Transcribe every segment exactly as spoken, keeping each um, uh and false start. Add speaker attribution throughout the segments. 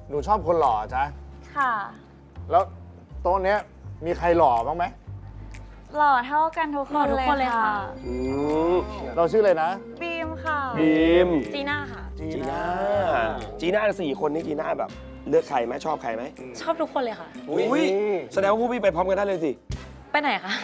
Speaker 1: หนูชอบคนหล่อจ๊ะ
Speaker 2: ค่ะ
Speaker 1: แล้วโต๊ะเนี้ยมีใครหล่อบ้างไหม
Speaker 2: หล่อเท่ากันทุกคนเลยค่ะ
Speaker 1: เราชื่ออะไรนะ
Speaker 2: บีมค่ะ
Speaker 3: บีม
Speaker 2: จีน่าค่ะ
Speaker 3: จีน่าจีน่าสี่คนนี้จีน่าแบบเลือกใครไหมชอบใครไหม
Speaker 2: ชอบทุกคนเลยค่ะ
Speaker 3: อุ้ยแสดงว่าพวกพี่ไปพร้อมกันได้เลยสิ
Speaker 2: ไปไหนคะ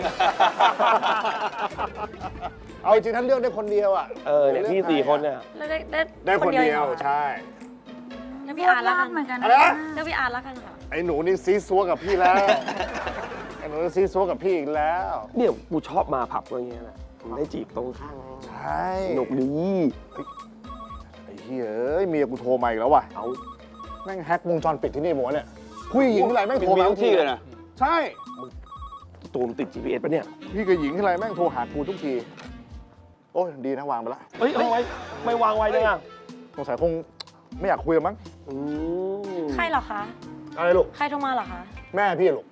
Speaker 1: เอาจริงท่านเลือกได้คนเดียวอ่ะ
Speaker 3: เออเนี่ยพี่สี่คนเนี่ย
Speaker 2: ได้ได้
Speaker 1: ได้คนเดียวใช่
Speaker 2: เลือกพี่อาร์ตแล้วกันเหมือนกัน
Speaker 1: อะไรนะ
Speaker 2: เลือกพี่อาร์ตแล้วกันค่ะ
Speaker 1: ไอ้หนูนี่ซีซัวกับพี่แล้วไอ้หนูซีซัวกับพี่อีกแล้ว
Speaker 3: เนี่ยกูชอบมาผับอย่างเงี้ยแหละได้จีบตรงข้าง
Speaker 1: ใช่
Speaker 3: หนุกดี
Speaker 1: ไอ้เฮ้ยเมียกูโทรมาอีกแล้วว่ะ
Speaker 3: เอา
Speaker 1: แม่งแฮกวงจรปิดที่นี่หมดเนี่ยผู้หญิงที่ไรแม่งโทรมา
Speaker 4: ทุกที่เลยนะ
Speaker 1: ใช่
Speaker 3: ตูมติด จี พี เอส ปะเนี่ย
Speaker 1: พี่กับหญิงที่ไรแม่งโทรหากูทุกทีโอ้ยดีนะวางไปละ
Speaker 3: เฮ้ยเอาไว้ไม่วางไว้จังอ่ะ
Speaker 1: สงสัยคงไม่อยากคุยมั้ง
Speaker 2: ใครเหรอคะ
Speaker 1: อะไรลูก
Speaker 2: ใครโทรมาเหรอคะ
Speaker 1: แม่พี่ลูก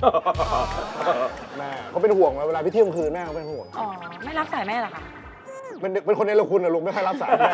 Speaker 1: แม่เขาเป็นห่วงเวลาพี่เที่ยงคืนแม่เขาเป็นห่วง
Speaker 2: อ๋อไม่รับสายแม่เหรอคะ
Speaker 1: เป็นเป็นคนในละคุณนะลูกไม่ค่อยรับสายแม่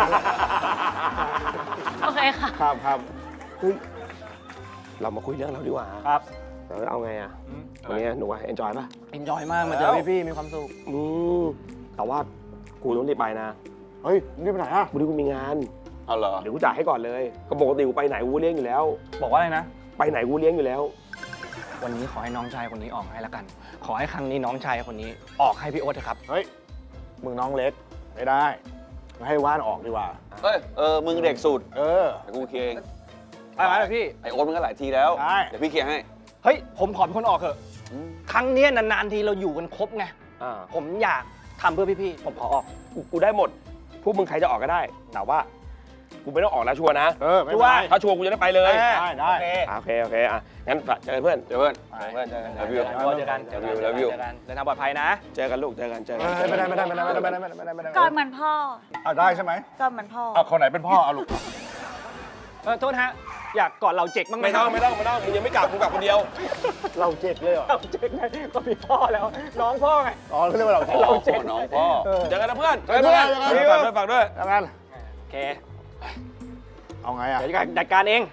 Speaker 2: โอเคค่ะ
Speaker 1: ครับครับ
Speaker 3: เฮ้ยเรามาคุยเรื่องเราดีกว่า
Speaker 1: ครับ
Speaker 3: เราเอาไงอ่ะวันนี้หนูว่าเอนจอยป่ะ
Speaker 4: เอนจอยมากมาเจอพี่ๆมีความสุข
Speaker 3: อืมแต่ว่ากูต้องรีบไปนะ
Speaker 1: เฮ้ยนี่ไปไหนอ่ะ
Speaker 3: วันนี้กูมีงาน
Speaker 4: เอาเหรอ
Speaker 3: เดี๋ยวกูจ่ายให้ก่อนเลยก็ปกติกูไปไหนกูเลี้ยงอยู่แล้ว
Speaker 4: บอกว่าอะไรนะ
Speaker 3: ไปไหนกูเลี้ยงอยู่แล้ว
Speaker 4: วันนี้ขอให้น้องชายคนนี้ออกให้ละกันขอให้ครั้งนี้น้องชายคนนี้ออกให้พี่โอ๊ตเถอะครับ
Speaker 1: เฮ้ยมึงน้องเล็กไม่ได้ให้ว่านออกดีกว่า
Speaker 4: เฮ้ยเออมึงเด็กสุด
Speaker 1: เออ
Speaker 4: แต่กูเคลียร์เอง
Speaker 1: ไปไหมล่ะพี่
Speaker 4: ไอโอ๊ตมึงก็หลายทีแล้วเดี๋ยวพี่เคลียร์ให้
Speaker 5: เฮ้ยผมขอเป็นคนออกเถอะครั้งนี้นานๆทีเราอยู่กันครบไงผมอยากทำเพื่อพี่ๆผมขอออก
Speaker 3: กูได้หมดพวกมึงใครจะออกก็ได้แต่ว่ากูไม่ต้องออกแล้วชัวร์นะ
Speaker 1: เออไม่ว่า
Speaker 3: ถ้าชัวร์กูจะได้ไปเลย
Speaker 1: ได้ได้
Speaker 3: โอเคโอเคอ่ะงั้นเจอเพื่อน
Speaker 4: เจอเพื่อนเพื่อนเจอกันเจอกัน
Speaker 5: เจอกัน
Speaker 4: เจอกันเจอกัน
Speaker 5: เดินทางปลอดภัยนะ
Speaker 3: เจอกันลูกเจอกันเจอกัน
Speaker 1: ไม่ได้ไม่ได้ไม่ได้ไม่ได้ไม่ได้ไม่ได้ไม่ได้
Speaker 2: ก่อนเหมือนพ่อ
Speaker 1: อ่ะได้ใช่ไหม
Speaker 2: ก่อนเหมือนพ่อ
Speaker 1: อ่ะคนไหนเป็นพ่อเอาลูก
Speaker 5: เออโทษฮะอยากกอดเราเจ๊กบ้างไหม
Speaker 3: ไม่ต้องไม่ต้องไม่ต้องมึงยังไม่กลับมึงกลับคนเดียว
Speaker 1: เราเจ๊กเลยเหรอ
Speaker 5: เราเจ๊กไงก็มีพ่อแล้วน้องพ่อไง
Speaker 1: อ๋อเขาเรียกว่าเรา
Speaker 4: เราเจ๊กน้องพ่อ
Speaker 3: เจอกันนะเพื่อนเจอกันเพื่อนฝากด้วยฝากด้วย
Speaker 1: แล้วกัน
Speaker 5: โอเค
Speaker 1: เอาไงอ่ะ
Speaker 5: เดี๋ยวจัดการเอง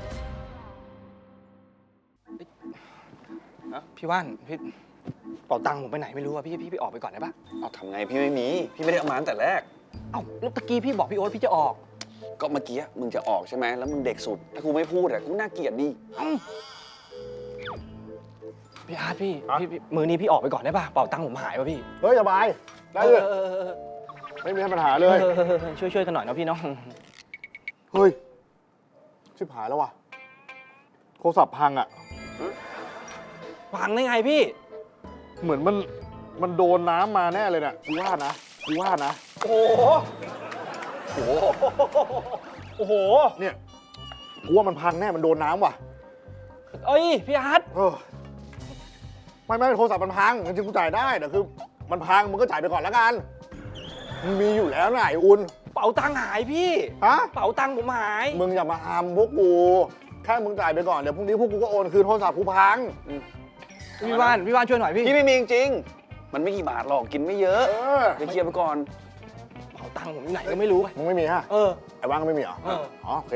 Speaker 5: พี่ว่านพี่เป่าตังค์ผมไปไหนไม่รู้อะพี่พี่พี่ออกไปก่อนได้ปะ
Speaker 4: เอาทำไงพี่ไม่มีพี่ไม่ได้เอามาตั้งแต่แรก
Speaker 5: เอ้าแล้วตะกี้พี่บอกพี่โอ๊ตพี่จะออก
Speaker 4: ก็เมื่อกี้มึงจะออกใช่ไหมแล้วมึงเด็กสุดถ้ากูไม่พูดอะกูน่าเกลียดดิ
Speaker 5: พี่อาร์ตพี่พี่มือนี้พี่ออกไปก่อนได้ปะเป่าตังค์ผมหายป่ะพี่
Speaker 1: เฮ้ยสบายได้เลยไม่มีปัญหาเลย
Speaker 5: ช่วยช่วยกันหน่อยนะพี่น้อง
Speaker 1: เฮ้ยชิบหายแล้วว่ะโทรศัพท์พังอ่ะ
Speaker 5: พังได้ไงพี่
Speaker 1: เหมือนมันมันโดนน้ำมาแน่เลยเนี่ยกูว่านะกูว่านะ
Speaker 5: โอ้โหโอ้โหโอ้โห
Speaker 1: เนี่ยกูว่ามันพังแน่มันโดนน้ำว่ะ
Speaker 5: เอ้ยพี่อาร์ต
Speaker 1: ไม่ไม่โทรศัพท์มันพังจริงๆกูจ่ายได้แต่คือมันพังมึงก็จ่ายไปก่อนแล้วกันมึงมีอยู่แล้วไหนอุ่น
Speaker 5: เป๋าตังค์หายพี่
Speaker 1: ฮะ
Speaker 5: เป๋าตังค์ผมหาย
Speaker 1: มึงอย่ามาอามพวกกูแค่มึงจ่ายไปก่อนเดี๋ยวพรุ่งนี้พวกกูก็โอนคืนโทรศัพท์กูพัง
Speaker 5: พี่ว่านพี่ว่านช่วยหน่อยพี่
Speaker 4: พี่ไม่มีจริงๆมันไม่กี่บาทหรอกกินไม่เยอะเดี๋ยวเคลียร์ไปก่อน
Speaker 5: เป๋าตังค์ผมอยู่ไหนก็ไม่รู้
Speaker 1: มึงไม่มีฮะ
Speaker 5: เออ
Speaker 1: ไอ้ว่างก็ไม่มีเหรออ๋อโอเค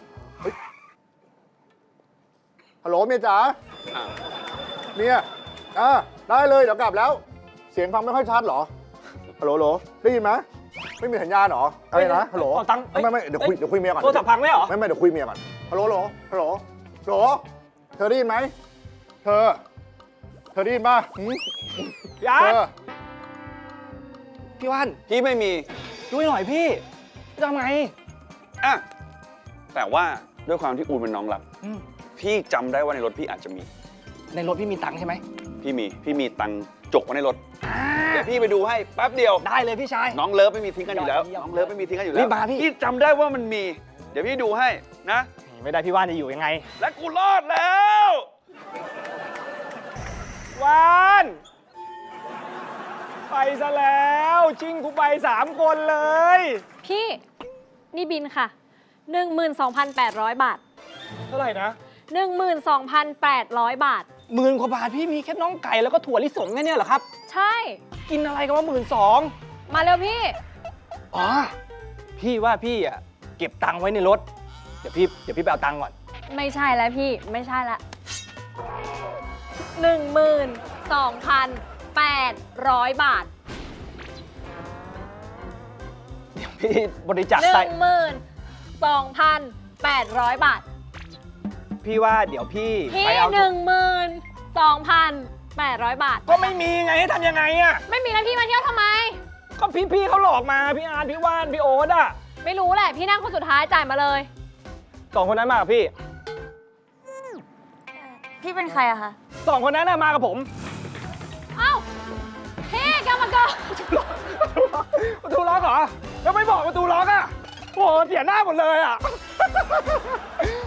Speaker 1: ฮัลโหลเมียจ๋าเมียอ่าได้เลยเดี๋ยวกลับแล้วเสียงฟังไม่ค่อยชัดหรอฮัลโหลฮัลโหลได้ยินไหมไม่มีสัญญาณหรออะไรนะฮัลโหลไม่ไม่เดี๋ยวคุยเดี๋ยวคุยเมียก่อน
Speaker 5: โทรศัพท์พังไหมหรอ
Speaker 1: ไม่ไม่เดี๋ยวคุยเมียก่อนฮัลโหลฮัลโหลฮัลโหลฮัลโหลเธอได้ยินไหมเธอเธอได้ยินป่ะ
Speaker 5: พี่อาร์ตพี่ว่าน
Speaker 4: พี่ไม่มี
Speaker 5: ช่วยหน่อยพี่จะทำไง
Speaker 4: อ่ะแต่ว่าด้วยความที่อูนเป็นน้องรักพี่จำได้ว่าในรถพี่อาจจะมี
Speaker 5: ในรถพี่มีตังค์ใช่ไหม
Speaker 4: พี่มีพี่มีตังค์จกไว้ในรถเดี๋ยวพี่ไปดูให้แป๊บเดียว
Speaker 5: ได้เลยพี่ชาย
Speaker 4: น้องเลิฟไม่มีทิ้งกันอยู่แล้วน้องเลิฟไม่มีทิ้งกันอยู่แล้ว
Speaker 5: รีบมาพี่
Speaker 4: พี่จำได้ว่ามันมีเดี๋ยวพี่ดูให้นะ
Speaker 5: ไม่ได้พี่ว่านจะอยู่ยังไง
Speaker 4: และกูรอดแล้ว
Speaker 5: ว่านไปซะแล้วชิงกูไปสามคนเลย
Speaker 2: พี่นี่บินค่ะ หนึ่งหมื่นสองพันแปดร้อย บาท
Speaker 5: เท่าไหร่นะ
Speaker 2: หนึ่งหมื่นสองพันแปดร้อย บาท
Speaker 5: หมื่นกว่าบาทพี่มีแค่น้องไก่แล้วก็ถั่วลิสงแค่นี้เหรอครับ
Speaker 2: ใช่
Speaker 5: กินอะไรกันว่าหมื่นสอง
Speaker 2: มาเร็วพี่
Speaker 5: อ๋อพี่ว่าพี่อ่ะเก็บตังค์ไว้ในรถเดี๋ยวพี่เดี๋ยวพี่ไปเอาตังค์ก่อน
Speaker 2: ไม่ใช่แล้วพี่ ไม่ใช่ละหนึ่งหมื่นสองพันแปดร้อยบาท
Speaker 5: เดี๋ยวพี่บริจาค
Speaker 2: หนึ่
Speaker 5: ไต
Speaker 2: งหมื่นสองพันแปดร้อยบาท
Speaker 5: พี่ว่าเดี๋ยวพี่
Speaker 2: พี่
Speaker 5: ไปเอา
Speaker 2: หนึ่งหมื่นสองพันแปดร้อยบาท
Speaker 5: ก็ไม่มีไงให้ทำยังไงอะ
Speaker 2: ไม่มีแล้วพี่มาเที่ยวทำไม
Speaker 5: ก็พี่พี่เขาหลอกมาพี่อาร์ตพี่ว่านพี่โอ๊ตอะ
Speaker 2: ไม่รู้แหละ พี่นั่งคนสุดท้ายจ่ายมาเลย
Speaker 5: สองคนนั้นมากับพี่
Speaker 6: พี่เป็นใครอะคะ
Speaker 5: สองคนนั้นน่ะมากับผม
Speaker 2: เอ้า พี่กรรมกร
Speaker 5: ประตูล็อกเหรอแล้วไม่บอกประตูล็อกอะโอ้โหเสียหน้าหมดเลยอะ